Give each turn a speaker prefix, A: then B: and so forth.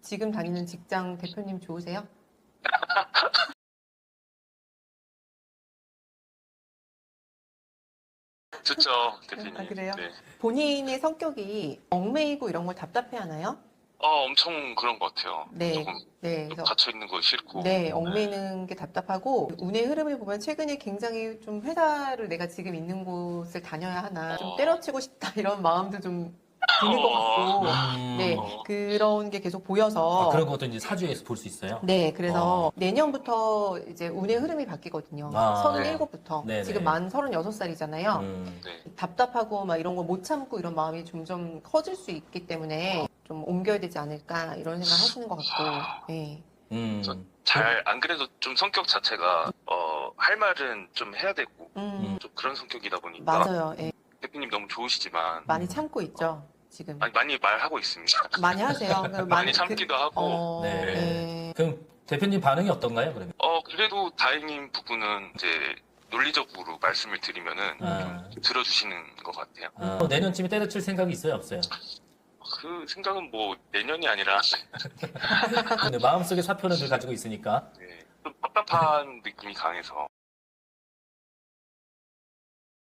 A: 지금 다니는 직장 대표님 좋으세요?
B: 좋죠, 대표님.
A: 아, 그래요?
B: 네.
A: 본인의 성격이 얽매이고 이런 걸 답답해 하나요?
B: 엄청 그런 것 같아요.
A: 네.
B: 조금
A: 네.
B: 좀
A: 그래서
B: 갇혀 있는 거 싫고.
A: 네, 얽매이는 게 답답하고 운의 흐름을 보면 최근에 굉장히 좀 회사를 내가 지금 있는 곳을 다녀야 하나 좀 때려치고 싶다 이런 마음도 좀 드는 것 같고 네,
B: 어,
A: 그런 게 계속
C: 아,
A: 보여서
C: 그런 것도 이제 사주에서 볼 수 있어요?
A: 네, 그래서
C: 어.
A: 내년부터 이제 운의 흐름이 바뀌거든요.
C: 아,
A: 37부터.
C: 네네.
A: 지금 만 36살이잖아요.
B: 네.
A: 답답하고 막 이런 거 못 참고 이런 마음이 점점 커질 수 있기 때문에 좀 옮겨야 되지 않을까 이런 생각 하시는 것 같고, 예.
B: 잘, 안 그래도 좀 성격 자체가, 할 말은 좀 해야 되고, 좀 그런 성격이다 보니까.
A: 맞아요. 예.
B: 대표님 너무 좋으시지만,
A: 많이 참고 있죠, 지금.
B: 많이 말하고 있습니다.
A: 많이 하세요.
B: 많이 참기도 하고.
C: 네.
A: 예.
C: 그럼 대표님 반응이 어떤가요, 그러면?
B: 그래도 다행인 부분은 이제 논리적으로 말씀을 드리면은
C: 아.
B: 좀 들어주시는 것 같아요.
C: 내년쯤에 때려칠 생각이 있어요, 없어요?
B: 그 생각은 뭐 내년이 아니라
C: 근데 마음속에 사표는 늘 가지고 있으니까.
B: 네, 좀 답답한 느낌이 강해서